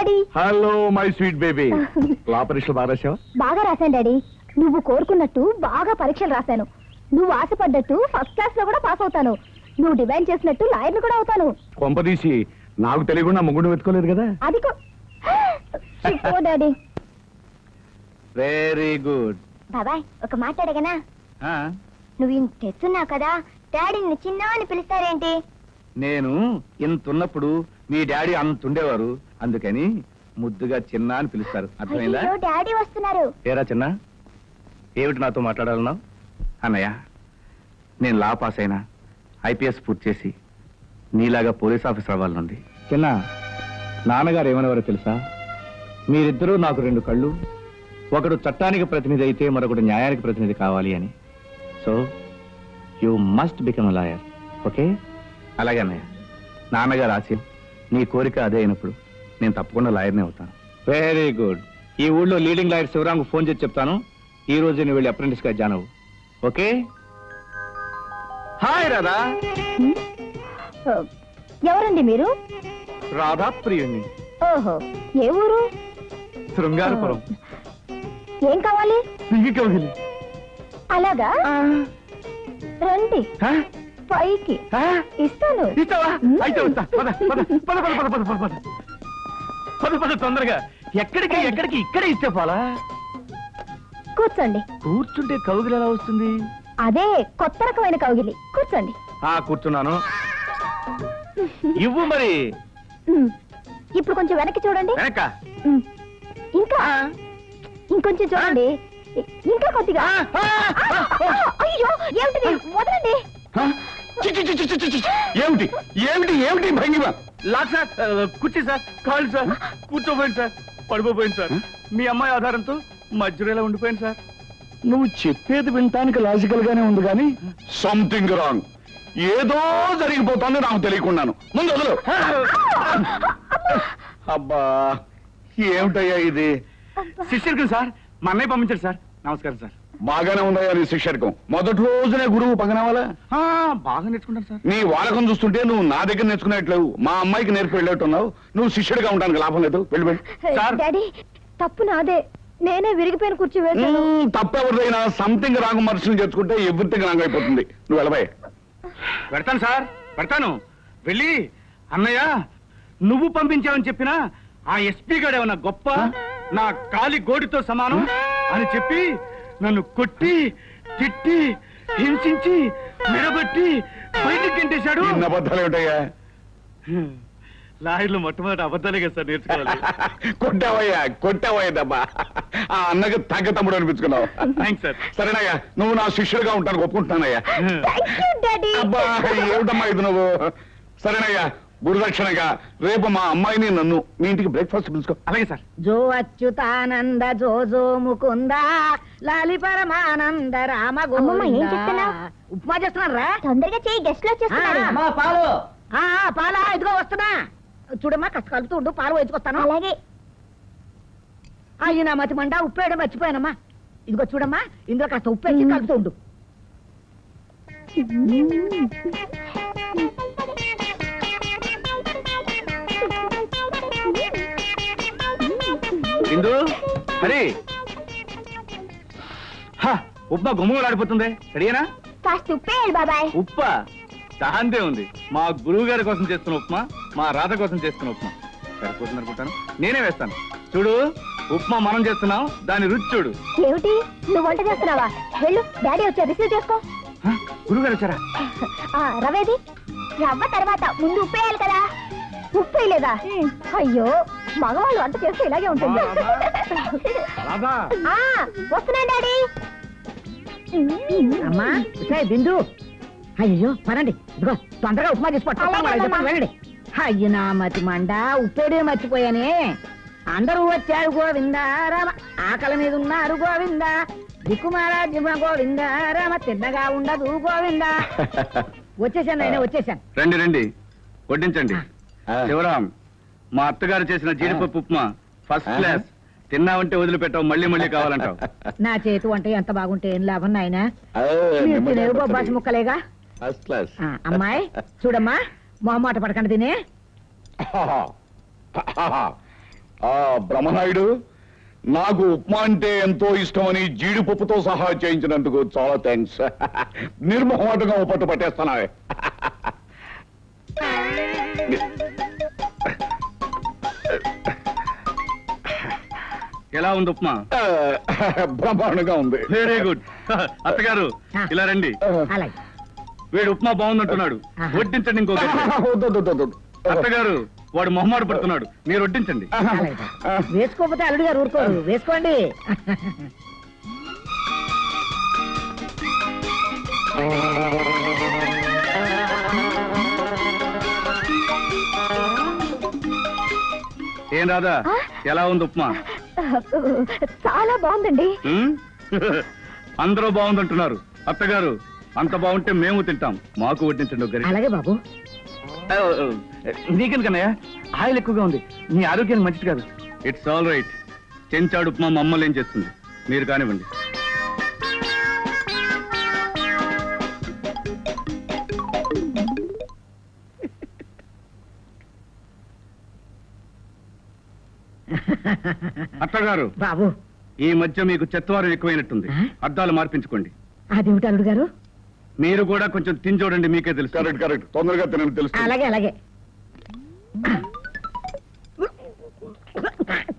Daddy. Hello my sweet baby. లా పరీక్షలు బాగా రాసావా? బాగా రాశాను డాడీ. నువ్వు కోరుకున్నట్టు బాగా పరీక్షలు రాశాను. నువ్వు ఆశపడ్డట్టు ఫస్ట్ క్లాస్ లో కూడా పాస్ అవుతాను. నువ్వు డిమాండ్ చేసినట్టు లాయర్ని కూడా అవుతాను. కొంపదీసి నాకు తెలియకుండా ముగ్గురు వెతుకోలేదు కదా? అది డాడీ. Very good. బాబాయ్ ఒక మాట అడగనా? నువ్వు ఇంత తెస్తున్నావు కదా, డాడీని చిన్న అని పిలుస్తారేంటి? నేను ఇంతున్నప్పుడు మీ డాడీ అంత ఉండేవారు, అందుకని ముద్దుగా చిన్న అని పిలుస్తారు. అర్థమైందా? డాడీ వస్తున్నారు. ఏరా చిన్న, ఏమిటి నాతో మాట్లాడాలన్నావు? అన్నయ్య, నేను లా పాస్ అయినా ఐపీఎస్ పూర్తి చేసి నీలాగా పోలీస్ ఆఫీసర్ అవ్వాలనుంది. చిన్న, నాన్నగారు ఏమనేవారో తెలుసా? మీరిద్దరూ నాకు రెండు కళ్ళు, ఒకడు చట్టానికి ప్రతినిధి అయితే మరొకడు న్యాయానికి ప్రతినిధి కావాలి అని. So you must become a lawyer. Okay? అలాగే అన్నయ్య, నాన్నగారు ఆశయం, నీ కోరిక అదే అయినప్పుడు నేను తప్పకుండా లాయర్నే అవుతాను. Very good. ఈ ఊళ్ళో లీడింగ్ లాయర్ శివరాంకు ఫోన్ చేసి చెప్తాను, ఈ రోజు నేను వెళ్ళి అప్రెంటిస్ గా జాయిన్ అవ్వు. ఓకే? హాయ్ రాధా. ఎవరండి మీరు? రాధా ప్రియుణ్ణి. ఓహో, ఏ ఊరు? శృంగారపురం. ఏం కావాలి? కౌగిలి. అలాగా, రండి పైకి ఇస్తాను. తొందరగా. ఎక్కడికి ఎక్కడికి? ఇక్కడే ఇస్తే పోలా. కూర్చోండి. కూర్చుంటే కౌగిలి ఎలా వస్తుంది? అదే కొత్త రకమైన కౌగిలి. కూర్చోండి. కూర్చున్నాను. ఇవ్వు మరి. ఇప్పుడు కొంచెం వెనక్కి చూడండి. వెనక? ఇంకా ఇంకొంచెం చూడండి. ఇంకా కొద్దిగా. అయ్యో, ఏమిటి? వదలండి. ఏమిటి ఏమిటి ఏమిటి భంగిమ? లాక్ సార్, కుర్చీ సార్, కాళ్ళు సార్, కూర్చోపోయింది సార్, పడిపోయింది సార్. మీ అమ్మాయి ఆధారంతో మధ్యలో ఎలా ఉండిపోయింది సార్. నువ్వు చెప్పేది వినటానికి లాజికల్ గానే ఉంది కానీ సంథింగ్ రాంగ్. ఏదో జరిగిపోతుంది నాకు తెలియకున్నాను. ముందు వదలు. అబ్బా, ఏమిటయ్యా ఇది? శిష్యుడికి సార్, మా అన్నయ్య పంపించారు సార్. నమస్కారం సార్. బాగానే ఉందయ్యా నీ శిష్యర్కం. మొదటి రోజునే గురువు పగనవాలా? బాగా నేర్చుకుంటాను సార్. నీ వాడకం చూస్తుంటే నువ్వు నా దగ్గర నేర్చుకునేట్లేవు, మా అమ్మాయికి నేర్పి వెళ్ళేట్టున్నావు. నువ్వు శిష్యుడిగా ఉండడానికి లాభం లేదు. వెళ్ళి డాడీ, తప్పు నాదే. నేనే విరిగిపోయిన కుర్చీ వేసాను. తప్పెవరిదైనా సంథింగ్ రాంగ్ మనుషులు చేసుకుంటే ఎవ్రీథింగ్ రాంగ్ అయిపోతుంది. నువ్వు వెళ్ళబాయ్. పెడతాను సార్, పెడతాను. వెళ్ళి అన్నయ్య నువ్వు పంపించావని చెప్పినా ఆ ఎస్పీ గారు ఏమన్నా గొప్ప, నా కాలి గోడితో సమానం అని చెప్పి నన్ను కొట్టి తిట్టి హింసించి మెడబట్టి బయటికి గెంటేశాడు. అబద్ధాలు ఏమిటయ్యా? లాయర్లు మొట్టమొదటి అబద్ధాలే కదా సార్ నేర్చుకోవాలి. కొట్టావయ్యా, కొట్టావయ్యా దెబ్బా. ఆ అన్నకి తగ్గ తమ్ముడు అనిపించుకున్నావు. Thanks sir. సరేనయ్యా, నువ్వు నా శిష్యుడిగా ఉంటాను ఒప్పుకుంటున్నానయ్యా. అబ్బా, ఏమిటమ్మా ఇది నువ్వు? సరేనయ్యా, గురుదక్షిణగా రేపు మా అమ్మాయిని నన్ను మీ ఇంటికి బ్రేక్ఫాస్ట్ పిలుచుకో. అలాగే సార్. జో అచ్యుతానంద జో జో ముకుంద లాలి పరమానంద రామ గోవింద. ఉప్మా చేస్తున్నారా? తొందరగా చేయి, గెస్ట్ లో వచ్చేస్తున్నారు. పాలు. పాలా, ఇదిగో వస్తున్నా. చూడమ్మా, కష్ట కలుపుతూ ఉండు, పాలు వేసుకొస్తాను. అలాగే. అయ్యి నా మతి మండ, ఉప్పు వేయడం మర్చిపోయానమ్మా. ఇదిగో చూడమ్మా, ఇందులో కాస్త ఉప్పు వేసి కలుపుతూ ఉండు. హరి, ఉప్మా గుమ్మలాడిపోతుంది. రెడీనా? కాస్త ఉప్పేయాలి బాబాయ్. ఉప్పా? దాంతే ఉంది. మా గురువు గారి కోసం చేస్తున్న ఉప్మా, మా రాధ కోసం చేస్తున్న ఉప్మా సరిపోతుంది అనుకుంటాను. నేనే వేస్తాను. చూడు, ఉప్మా మనం చేస్తున్నాం, దాని రుచి చూడు. ఏమిటి, నువ్వు వంట చేస్తున్నావా? వెళ్ళు, డాడీ వచ్చా, రిసీవ్ చేసుకో. గురువు గారు వచ్చారా? రవేది? రవ్వ తర్వాత ముందు ఉప్పేయాలి కదా. ఉప్పు వేయలేదా? అయ్యో, మగవాళ్ళు వంట చేస్తే ఇలాగే ఉంటుంది. వస్తున్నాను డాడీ. అమ్మా బిందు, అయ్యో పనండి. ఇదిగో తొందరగా ఉప్మా చేసుకోండి. వెళ్ళండి. అయ్యి నా మతి మండ, ఉప్పేడే మర్చిపోయానే. అందరూ వచ్చారు గోవిందా రామ, ఆకలి మీద ఉన్నారు గోవిందా, దిక్కుమారాజ్యమ గోవిందా రామ, తిన్నగా ఉండదు గోవిందా. వచ్చేసాను ఆయన, వచ్చేసాను. రండి రండి, వడ్డించండి. శివరాం, మా అత్తగారు చేసిన జీడిపప్పు ఉప్మా ఫస్ట్ క్లాస్. తిన్నావంటే వదిలిపెట్టావు, మళ్ళీ మళ్ళీ కావాలంటావు. నా చేతి వంట ఎంత బాగుంటే ఏం లాభం నాయనా, బొబ్బాసి ముక్కలేగా. అమ్మాయి చూడమ్మా, మొహమాట పడకండి తినే. బ్రహ్మనాయుడు, నాకు ఉప్మా అంటే ఎంతో ఇష్టమని జీడిపప్పుతో సహా చేయించినందుకు చాలా థ్యాంక్స్. నిర్మోహమాటంగా ఓ పట్టు పట్టేస్తానా? ఎలా ఉంది ఉప్మా? బ్రహ్మాండంగా ఉంది. Very good. అత్తగారు ఇలా రండి. అలాగే వీడు ఉప్మా బాగుందంటున్నాడు, వడ్డించండి. ఇంకో గంట. వద్దు, వద్దు, వద్దు, వద్దు. అత్తగారు వాడు మొహమాట పడుతున్నాడు, మీరు వడ్డించండి. అలాగే వేసుకోకపోతే అల్లుడు గారు ఊరుకోరు, వేసుకోండి. ఏం రాదా, ఎలా ఉంది ఉప్మా? చాలా బాగుందండి. ఉమ్? అందరూ బాగుందంటున్నారు. అత్తగారు అంత బాగుంటే మేము తింటాం, మాకు వడ్డించండి ఒక గరిటె. అలాగే బాబు. నీకెందుకన్నయ్య, ఆయిల్ ఎక్కువగా ఉంది, నీ ఆరోగ్యానికి మంచిది కాదు. It's all right. చెంచాడు ఉప్మా మా అమ్మలు ఏం చేస్తుంది, మీరు కానివ్వండి. అత్తగారు బాబు ఈ మధ్య మీకు చెత్తవారం ఎక్కువైనట్టుంది, అద్దాలు మార్పించుకోండి. అదేమిటి అల్లుడు గారు? మీరు కూడా కొంచెం తిని చూడండి, మీకే తెలుసు. Correct, correct. తొందరగా తినని తెలుసు. అలాగే అలాగే.